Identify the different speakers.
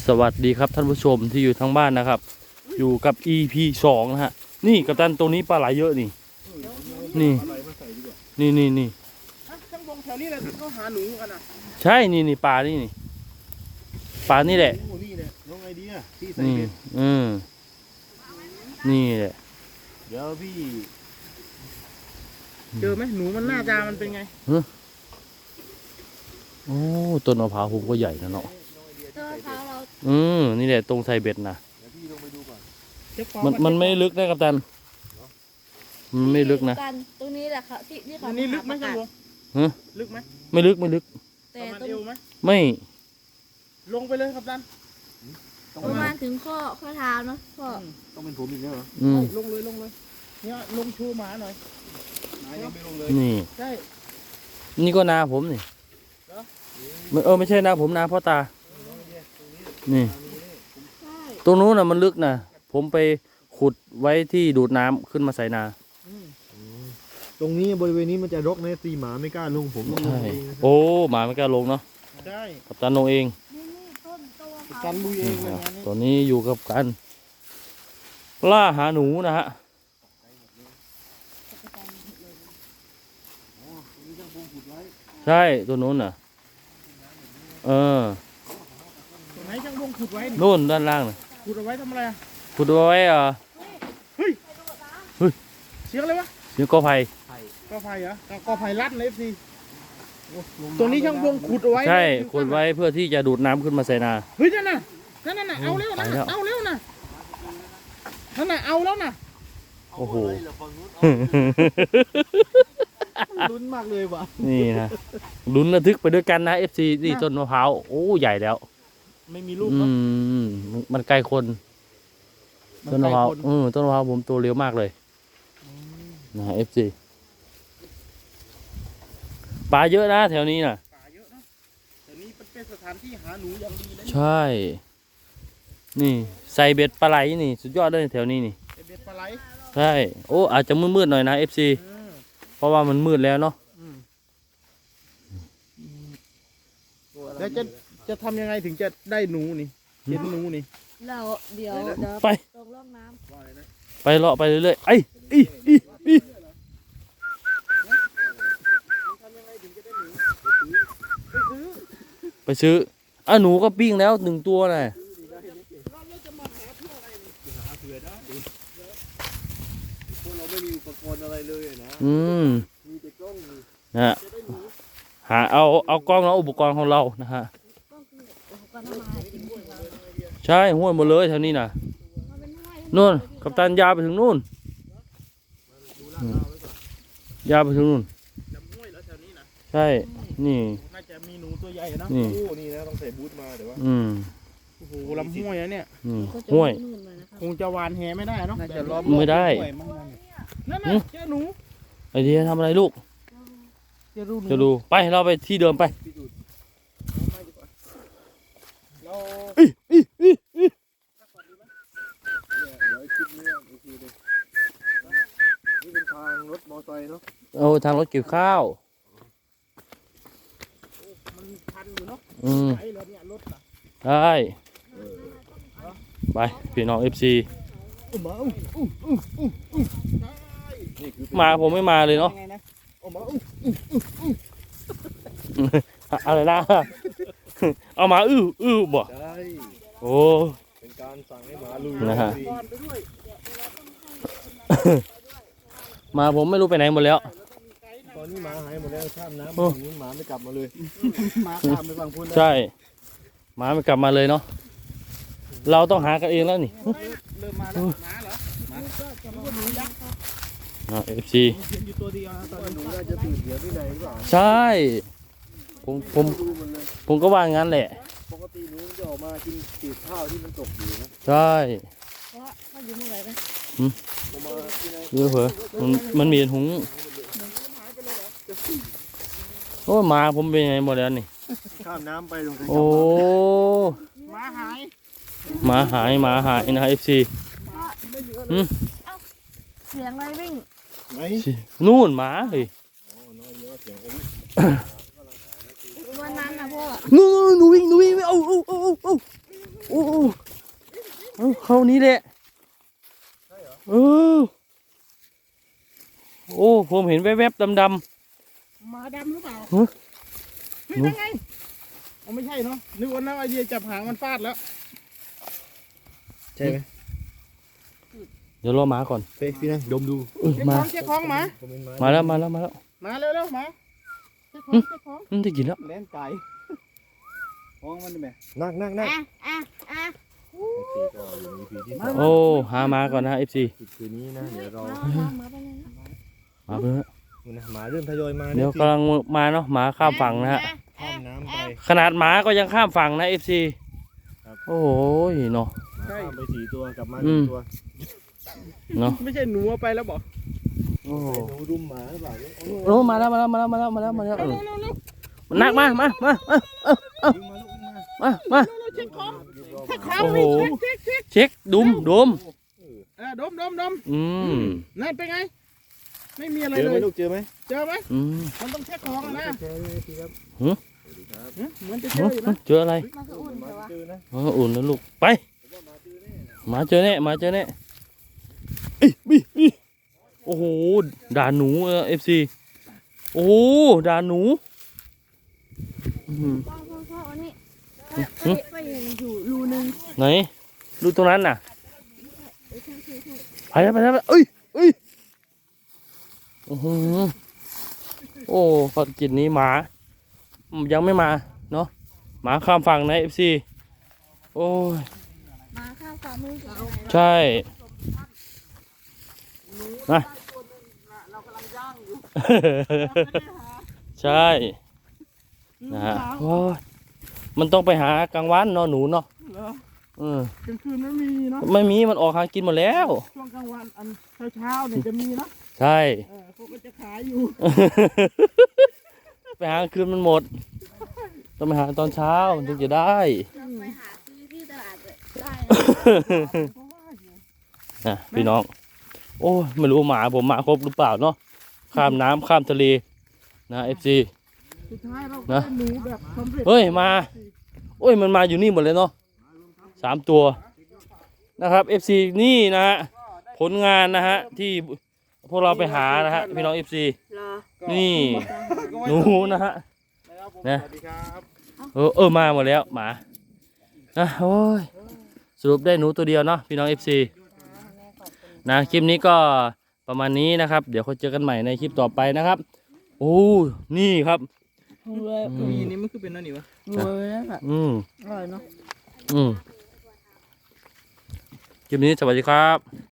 Speaker 1: สวัสดีครับท่านผู้ชมที่อยู่ทางบ้านนะครับอยู่กับ EP 2นะฮะนี่กัปตันตรงนี้ปลาไหลเยอะนี่นี่นี่
Speaker 2: ช่างวงแถวนี้แหละเขาหาหนูกันนะ
Speaker 1: ใช่นี่ปลานี่ปลานี่แหละ
Speaker 2: นี่แหละน้องไอเดียที่ใส่
Speaker 1: นี่
Speaker 2: เบ็ด
Speaker 1: นี่แหละ
Speaker 2: เดี๋ยวพี่เจอไหมหนูมันหน้าตามันเป็นไง
Speaker 1: โอ้ต้นมะพร้าวผมก็ใหญ่นะเนาะ
Speaker 3: ต้นมะพร้าวเรา
Speaker 1: นี่แหละตรงไทยเบ็ดนะ
Speaker 2: พี่ลงไปดูก่อน
Speaker 1: มันไม่ลึกนะกัปตันมันไม่ลึกนะ
Speaker 3: ตรงนี้แหละค่ะที่เขา
Speaker 2: นี่ลึกไหมช่างวงลึกไหม
Speaker 1: ไม่ลึก
Speaker 3: แต่ตรง
Speaker 1: ไม่
Speaker 2: ลงไปเลยครับดัน
Speaker 3: ประมาณถึงข้อเท้าเนาะพ่อ
Speaker 2: ต้องเป็นผมอีกแล้วเหรอลงเลยเนี่ยลงชูหมาหน่อยหมายังไม่ลงเลย
Speaker 1: นี่
Speaker 2: ใช่
Speaker 1: นี่ก็นาผมนี่ไม่ใช่นาผมนาพ่อตานี่ตรงนู้นน่ะมันลึกนะผมไปขุดไว้ที่ดูดน้ำขึ้นมาใส่นา
Speaker 2: ตรงนี้บริเวณนี้มันจะรกนะตีหมาไม่กล้าลงผมต้องลงเอง
Speaker 1: โอ้หมาไม่กล้าลงเนาะ
Speaker 2: ใช่
Speaker 1: กับตันลงเอง
Speaker 2: กันลุยเอง
Speaker 1: ตัวนี้อยู่กับกันล่าหาหนูนะฮะใช่ตัวนู้นน่ะ
Speaker 2: ไหนช่างวงขุดไว้
Speaker 1: นู่นด้านล่างน่ะ
Speaker 2: ขุดเอาไว้ทำอะไร
Speaker 1: ขุดเอาไว้
Speaker 2: เฮ้ยเสียงอะไรวะ
Speaker 1: เสียงกอไผ่
Speaker 2: กอไผ่เหรอกอไผ่ลัดในFCตรงนี้ช่างวงขุดเอาไว้
Speaker 1: ใช่ขุดไว้เพื่อที่จะดูดน้ำขึ้นมาใส่นา
Speaker 2: เฮ้ยนั่นน่ะเอาเร็วนะเอาเร็วนะนั่นน่ะเอาแล้วนะ
Speaker 1: โอ้โห
Speaker 2: ลุ้นมากเลยว่ะ
Speaker 1: นี่นะลุ้นระทึกไปด้วยกันนะ FC นี่ต้นมะพร้าวโอ้ใหญ่แล้ว
Speaker 2: ไม่มีลูกเนาะ
Speaker 1: มันไกลคนต้นมะพร้าวต้นมะพร้าวผมโตเร็วมากเลยนะ FC ปลาเยอะนะแถวนี้นะ
Speaker 2: ปลาเยอะนะแต่นี้เป็นสถานที่หาหนูอย่างดีเลย
Speaker 1: ใช่นี่ใส่เบ็ดปลาไหลนี่สุดยอดเลยแถวนี้นี่
Speaker 2: เบ็ดปลาไหล
Speaker 1: ใช่โอ้อาจจะมืดๆหน่อยนะ FC เพราะว่ามันมืดแล้วเนาะ
Speaker 2: แล้วจะทำยังไงถึงจะได้หนูนี่เห็นหนูนี่
Speaker 3: เราเดี๋ยว
Speaker 1: ไป
Speaker 3: ตรงร่องน้ำ
Speaker 1: ไปเลาะไปเรื่อยๆไปซื้อหนูก็ปิ้งแล้ว1 ตัวน่ะ
Speaker 2: เราไม่มีอุปกรณ์อะไรเลยนะมีแต่กล้อง
Speaker 1: นะหาเอากล้องแล้วอุปกรณ์ของเรานะฮะใช่ห้วยหมดเลยแถวนี้น่ะนู่นกัปตันยาวไปถึงนู่นยาวไปถึงนู่นใช่นี่
Speaker 2: น่าจะมีหนูตัวใหญ่นะนี่นะต้องใส่บูทมาเดี๋ยวว่าโอ้โหลำห้วยนะเนี่ย
Speaker 1: ห้วย
Speaker 2: คงจะวานแหไม่ได้เนาะ
Speaker 1: ไม่ได้
Speaker 2: นั่นน่ะเจ้าหนู
Speaker 1: ไอเดียทำอะไรลูกจะดูไปเราไปที่เดิมไป
Speaker 2: นี่เป็นทางรถมอไซค์เนาะ
Speaker 1: ทางรถเกี่ยวข้าว
Speaker 2: มันทันอยู่เนาะใ
Speaker 1: ช่ไปพี่น้อง FC มาผมไม่มาเลยเนาะอะไรนะเอามาบ่โอ้
Speaker 2: เป็นการสั่งให้หมาลุย
Speaker 1: นะฮะมาผมไม่รู้ไปไหนหมดแล้ว
Speaker 2: ตอนนี้หมาหายหมดแล้วข้ามน้ำนี้หมาไม่กลับมาเลยหมาข้ามไปฝั่งพุ้น
Speaker 1: ใช่หมาไม่กลับมาเลยเนาะเราต้องหากันเองแล้วนี่
Speaker 2: เริ่มมาแล้วหมาเหรอหมาหนูยักษ์
Speaker 1: FC
Speaker 2: อยู่ตัวเดียวตอนนี้หนูน่าจะตื่นเสียที่ไหนหรือเปล่า
Speaker 1: ใช่ผมก็ว่างั้นแหละ
Speaker 2: ปกติหนูจะออกมากินสีข้าวที่มันตกอยู่นะ
Speaker 1: ใช่
Speaker 3: เขาอยู่เมื่อไหร่ไหม
Speaker 1: เยอะเหรอมันมีหุงโอ้มาผมเป็นไงหมดแล้วนี่
Speaker 2: ข้ามน้ำไปลงไป
Speaker 1: โอ้
Speaker 2: หมาหาย
Speaker 1: นะ FC
Speaker 3: เสียงอะไรวิ่ง
Speaker 1: นู่นหมาเลย
Speaker 3: วันนั้นนะพ่อ
Speaker 1: หนูวิ่งเอาโอ้เข้านี้แหละเออโอ้ผมเห็นแวบๆดำ
Speaker 2: หมาดำหรือเปล่า
Speaker 1: ฮะ
Speaker 2: เฮ้ยนั่นไงเอาไม่ใช่เนาะนึกว่าน้าไอเดียจับหางมันฟาดแล้วใช่ไหม
Speaker 1: ๆเดี๋ยวรอหมาก่อน
Speaker 2: เป๊กพี่นะดมดู
Speaker 1: มา
Speaker 2: เช็คของหมา
Speaker 1: มาแล้ว
Speaker 2: มาเร็วๆหมาเช็คของ
Speaker 1: ได้กินแล้ว
Speaker 2: เล่นไก่ของมันได้ไหม
Speaker 4: นั่ง
Speaker 3: อ่ะ
Speaker 1: โอ้หามาก่อนนะ FC
Speaker 4: คืนนี้นะเดี๋ยวรอ
Speaker 3: มาไปเลยนะ
Speaker 1: มาเพื่อ
Speaker 4: นะหมาเริ่มทยอยมา
Speaker 1: เดี๋ยวกำลังมาเนาะหมาข้ามฝั่งนะฮะ
Speaker 4: ข้ามน้ำไป
Speaker 1: ขนาดหมาก็ยังข้ามฝั่งนะ FC
Speaker 4: ครับ
Speaker 1: โอ้ยเนาะ
Speaker 4: ข้ามไป4 ตัวกลับมา
Speaker 1: อืม
Speaker 4: 1 ตัว
Speaker 1: เนาะ
Speaker 2: ไม่ใช่หนูเอาไปแล้วบอก
Speaker 1: โอ้
Speaker 4: หนูรุมหมาหรือเปล่าเนี่ย
Speaker 1: โอ้มาแล้วมันนักมา
Speaker 4: วิ่งมาลูกวิ่งมา
Speaker 2: เช็คของ
Speaker 4: เรียบร้อย
Speaker 2: เช็คของ
Speaker 1: โอ้โห
Speaker 2: เช็ค
Speaker 1: เช็คดม
Speaker 2: ดม
Speaker 1: อืม
Speaker 2: นั่นเป็นไงไม่มีอะไร
Speaker 4: เจอ
Speaker 2: เล
Speaker 4: ไหม
Speaker 2: ย
Speaker 4: ลูกเจอไหม
Speaker 2: เจอไหม
Speaker 1: อืม
Speaker 2: มันต้องเช็คของนะ
Speaker 4: เจอทีครับ
Speaker 2: เหมือนจะเจออยู่นะ
Speaker 1: เจออะไร
Speaker 3: มาคืออุ่นแต่ว่า
Speaker 4: เจอนะ
Speaker 1: อ๋ออุ่นแล้วลูกไปหมาเจอแน่เอ้ยบี้โอ้โหด่าหนูFC โอ้โหด่าหนูอืม
Speaker 3: พ่ออันนี้ไปอยู่รูนึง
Speaker 1: ไหนดูตรงนั้นน่ะไปแล้วเอ้ยโอ้โหโอ้ภารกิจนี้หมายังไม่มาเนาะหมาข้ามฝั่งนะ FC โอ้ย
Speaker 3: มาข้าวฝ่ามือกับ
Speaker 1: ใช่นะ
Speaker 2: เรากำลังย่างอยู่
Speaker 1: ใช่นะฮะโอ้ยมันต้องไปหากลางวันเนาะหนูเนาะ
Speaker 2: เหรอก
Speaker 1: ล
Speaker 2: ลางคืนไม่มีเนาะ
Speaker 1: ไม่มีมันออกหากินหมดแล้ว
Speaker 2: ช่วงกลางวันอันเช้าเนี่ยจะมีนะ
Speaker 1: ใช่
Speaker 2: พวกมันจะขายอยู่
Speaker 1: ไปหากลางคืนมันหมด ต้องไปหาตอนเช้าถึงจะได้
Speaker 3: ไปหาซื้อที่ตลาดได้
Speaker 2: เพราะว่าอยู่
Speaker 1: นะพี่น้อง โอ้ยไม่รู้หมาผมมาครบหรือเปล่าเนาะข้ามน้ำข้ามทะเลนะ FC
Speaker 2: สุดท้ายเราก็
Speaker 1: นะ
Speaker 2: ได้หนูแบบสำเร็จ
Speaker 1: เฮ้ยมา โอ้ยมันมาอยู่นี่หมดเลยเนาะ3 ตัวนะครับ FC นี่นะฮะผลงานนะฮะที่พวกเราไปหานะฮะพี่น้อง FC
Speaker 3: รอ
Speaker 1: นี่หนูนะฮะ
Speaker 2: นะครับผม
Speaker 1: นะ
Speaker 2: สวัสดีครับ
Speaker 1: มาหมดแล้วหมานะโอ้ยสรุปได้หนูตัวเดียวเนาะพี่น้อง FC นะคลิปนี้ก็ประมาณนี้นะครับ เดี๋ยวเขาเจอกันใหม่ในคลิปต่อไปนะครับ โอ้นี่ครับ
Speaker 2: มีนี่มันคือเป็นนั่นนี่วะ
Speaker 1: อืม
Speaker 3: อร่อยเนาะ
Speaker 1: คลิปนี้สวัสดีครับ